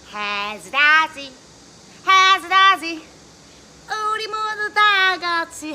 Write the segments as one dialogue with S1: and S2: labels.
S1: 하즈다지 하즈다지 우리 모두 다 같이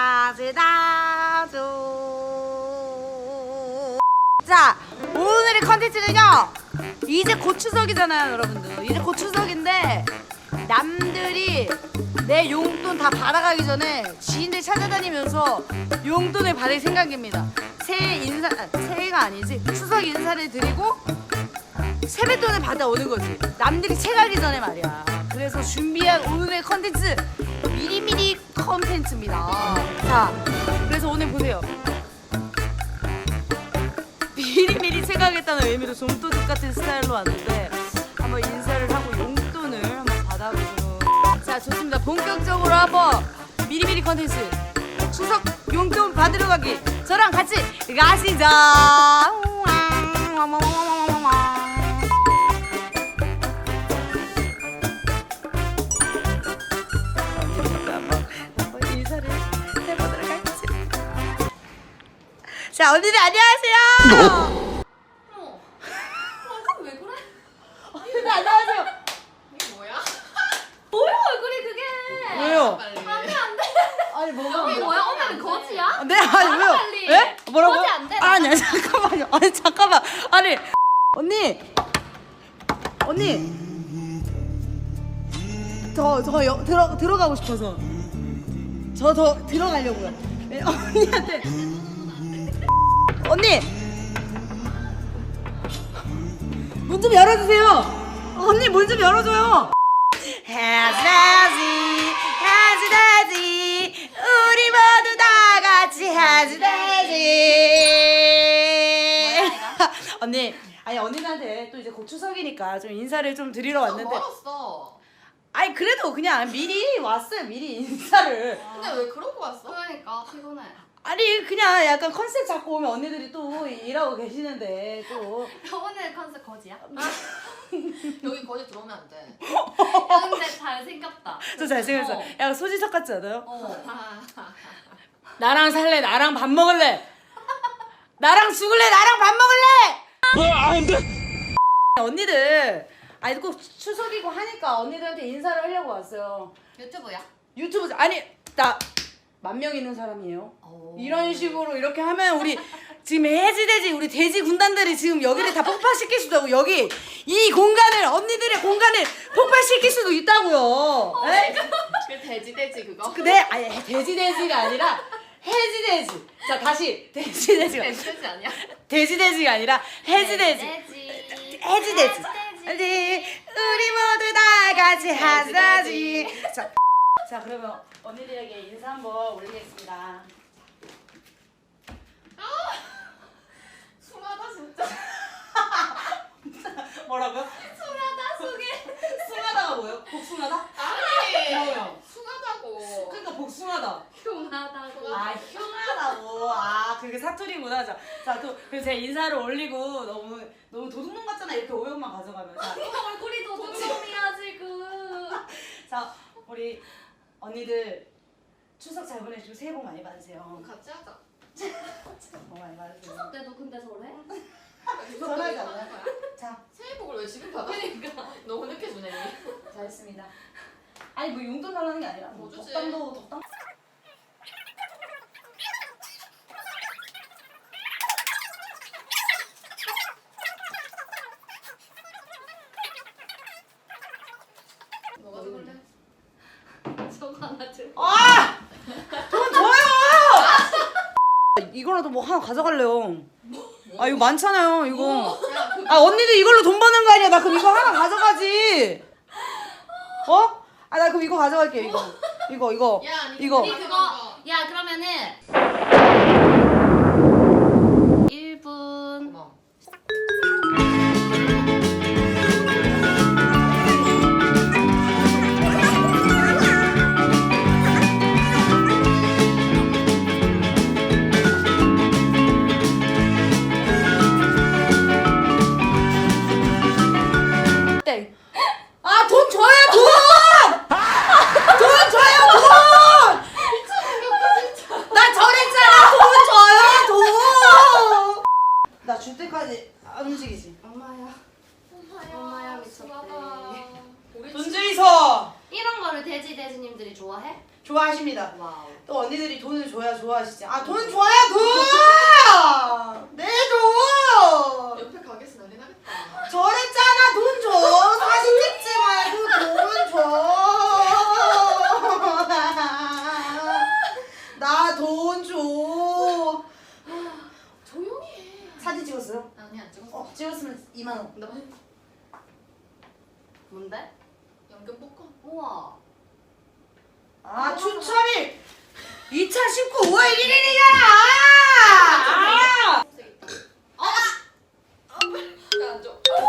S1: 하즈다죠. 자, 오늘의 컨텐츠는요, 이제 곧 추석이잖아요 여러분들. 이제 곧 추석인데 남들이 내 용돈 다 받아가기 전에 지인들 찾아다니면서 용돈을 받을 생각입니다. 새해가 아니지, 추석 인사를 드리고 세뱃돈을 받아오는 거지, 남들이 채가기 전에 말이야. 그래서 준비한 오늘의 컨텐츠 미리미리 컨텐츠입니다. 자, 그래서 오늘 보세요. 미리미리 채가겠다는 의미로 좀도둑 같은 스타일로 왔는데 한번 인사를 하고 용돈을 한번 받아보도록. 자, 좋습니다. 본격적으로 한번 미리미리 컨텐츠 추석 용돈 받으러 가기, 저랑 같이 가시죠. 인사를 해보도록 하겠습니다. 자, 언니들 안녕하세요.
S2: 왜 그래?
S1: 언니들 안녕하세요.
S2: 이게 뭐야?
S3: 뭐야 얼굴이 그게?
S1: 왜요?
S2: 빨리.
S3: 안돼 안돼.
S1: 아니 뭐가?
S3: 이게 뭐야? 오늘은 거지야?
S1: 네, 아니
S3: 나가,
S1: 왜요?
S3: 빨리.
S1: 예? 뭐라고?
S3: 거지 안 돼,
S1: 아니 잠깐만요. 아니 잠깐만. 아니 언니 저 들어가고 싶어서 저 더 들어가려고요. 네, 언니한테 언니 문 좀 열어주세요. 언니 문 좀 열어줘요. 하즈다지 하즈다지 우리 모두 다 같이 하즈다지. 언니, 아니 언니한테 또 이제 곧 추석이니까 좀 인사를 좀 드리러 왔는데,
S2: 멀었어.
S1: 아니 그래도 그냥 미리 왔어요. 미리 인사를.
S2: 근데 왜 그러고 왔어?
S3: 그러니까 피곤해.
S1: 아니 그냥 약간 컨셉 잡고 오면 언니들이 또 일하고 계시는데 또
S3: 오늘 컨셉 거지야?
S2: 여기 거기 들어오면 안 돼.
S3: 야 근데 잘생겼다.
S1: 저 잘생겼어. 약간 소지섭 같지 않아요?
S3: 어.
S1: 나랑 살래? 나랑 밥 먹을래? 나랑 죽을래? 나랑 밥 먹을래? 안 돼. 언니들, 아니 꼭 추석이고 하니까 언니들한테 인사를 하려고 왔어요.
S3: 유튜브야?
S1: 유튜브, 아니 나 10,000명 있는 사람이에요. 이런 식으로 이렇게 하면 우리 지금 해지돼지 우리 돼지 군단들이 지금 여기를 다 폭파시킬 수도 있고, 여기 이 공간을, 언니들의 공간을 폭파시킬 수도 있다고요. 에?
S2: 그 돼지 그거?
S1: 네, 아니 돼지돼지가 아니라 해지돼지. 자 다시 돼지돼지가
S2: 돼지 아니야?
S1: 돼지돼지가 아니라 해지돼지. 해지돼지. 우리 모두 다 같이 하자지. 자 그러면 언니들에게 인사 한번 올리겠습니다.
S2: 숭하다 진짜.
S1: 뭐라고요?
S3: 숭하다 속에.
S1: 숭하다가 뭐예요? 복숭아다?
S2: 아니.
S1: 뭐예요?
S2: 숭하다고.
S1: 그러니까 복숭아다.
S3: 흉하다고.
S1: 아 흉하다고. 아 그게 사투리구나. 자 또 그래서 제가 인사를 올리고 너무 도둑놈 같잖아. 이렇게 오역만 가져가면.
S3: 얼굴이 도둑놈이야 지금.
S1: 자 우리 언니들 추석 잘 보내시고 새해 복 많이 받으세요.
S2: 같이 하자.
S1: 복 많이 받으세요.
S3: 추석 때도 근데 저래?
S1: 전화하지 않아요? 자
S2: 새해 복을 왜 지금 받아? 그러니까 너무 늦게 주네.
S1: 잘했습니다. 아니 뭐 용돈 달라는 게 아니라 뭐
S2: 뭐 주지?
S1: 덕담.
S2: 뭐가 죽을래?
S3: 저거 하나 들.
S1: 아! 돈 줘요! 이거라도 뭐 하나 가져갈래요. 아 이거 많잖아요 이거. 아 언니들 이걸로 돈 버는 거 아니야. 나 그럼 이거 하나 가져가지. 어? 아 나 그럼 이거 가져갈게. 이거.
S2: 야, 아니,
S1: 이거.
S3: 우리 그거 야 그러면은 1분.
S2: 어머.
S1: 땡. 아 돈 줘요 돈! 돈 줘요 돈! 나 저랬잖아 돈 줘요! 좋아하십니다.
S3: 와우.
S1: 또 언니들이 돈을 줘야 좋아하시지. 아, 돈 줘야 돈! 내 돈!
S2: 옆에 가게에서 난리 나겠다.
S1: 저랬잖아, 돈 줘. 사진 찍지 말고 돈 줘. 나 돈 줘.
S2: 조용히 해.
S1: 사진 찍었어요?
S2: 아니 안 찍었어.
S1: 찍었으면 2만 원.
S2: 나
S3: 뭔데?
S2: 연금 복권.
S3: 우와.
S1: 아, 추첨일 2019 5월 1일이잖아. 아!
S2: 색 있다. 왜안 줘?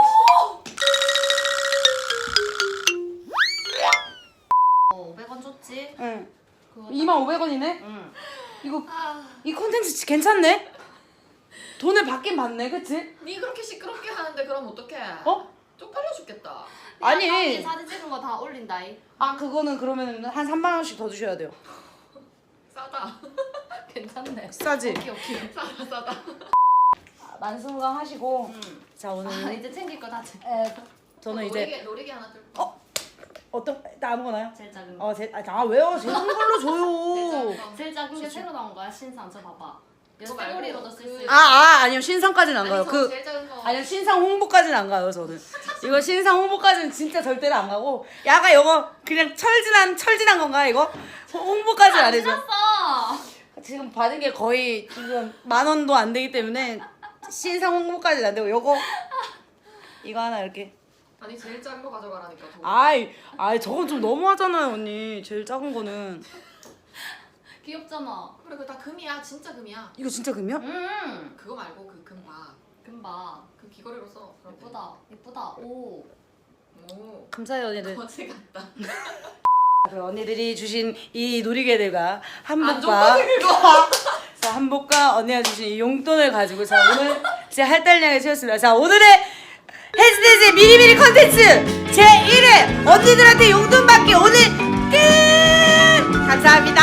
S3: 어, 500원 줬지?
S1: 응.
S3: 그거
S1: 25,500원이네.
S3: 응.
S1: 이거
S2: 아,
S1: 이 콘텐츠 괜찮네. 돈을 받긴 받네, 그치?
S2: 니 그렇게 시끄럽게 하는데 그럼 어떡해?
S1: 어?
S2: 쪽팔려 죽겠다.
S1: 아니.
S3: 아니 사진 찍은 거 다 올린다이.
S1: 아, 그거는 그러면 한 3만 원씩 더 주셔야 돼요.
S2: 싸다.
S3: 괜찮네.
S1: 싸지?
S3: 오케이.
S2: 싸다.
S1: 만수무강 하시고.
S3: 응.
S1: 자, 오늘
S3: 아 이제 챙길 거 다 챙겨.
S1: 저는 이제
S2: 놀이개 하나 들고.
S1: 어떤 나 아무거나요?
S3: 제일 작은 거.
S1: 왜요? 제일 큰 걸로 줘요.
S3: 제일 작은 게 새로 나온 거야 신상. 저 봐봐. 이거
S2: 그거 말고
S3: 쇠고리로도 쓸 수
S2: 그-
S3: 있어.
S1: 아니요, 신상까지는 안 가요.
S2: 아니, 저
S1: 그
S2: 제일 작은 거.
S1: 아니요, 신상 홍보까지는 안 가요, 저는. 이거 신상 홍보까지는 진짜 절대로 안 가고. 야가 이거 그냥 철진한 건가 이거? 홍보까지는 안 해줘.
S3: 신었어.
S1: 지금 받은 게 거의 지금 10,000원도 안 되기 때문에 신상 홍보까지는 안 되고 요거 이거 하나 이렇게.
S2: 아니 제일 작은 거 가져가라니까. 더.
S1: 아이 저건 좀 너무하잖아요, 언니. 제일 작은 거는.
S3: 귀엽잖아.
S2: 그래 그거 다 금이야. 진짜 금이야.
S1: 이거 진짜 금이야?
S2: 그거 말고 그 금박.
S3: 금봐.
S2: 그 귀걸이로 써. 그럼 돼.
S3: 예쁘다. 예쁘다. 오.
S2: 오.
S1: 감사해요, 언니들.
S2: 거지 같다.
S1: 그 언니들이 주신 이 놀이개들과
S2: 안
S1: 한복과
S2: 줬거든 그거.
S1: 자, 한복과 언니가 주신 이 용돈을 가지고 자, 오늘 제 할당량을 채웠습니다. 자, 오늘의 헬스데이즈 미리미리 컨텐츠 제1회 언니들한테 용돈 받기 오늘 끝! 감사합니다.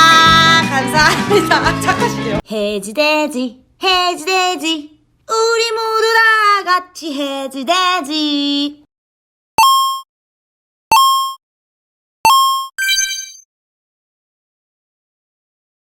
S1: 감사합니다. 착하시네요. 해지돼지 우리 모두 다 같이 해지돼지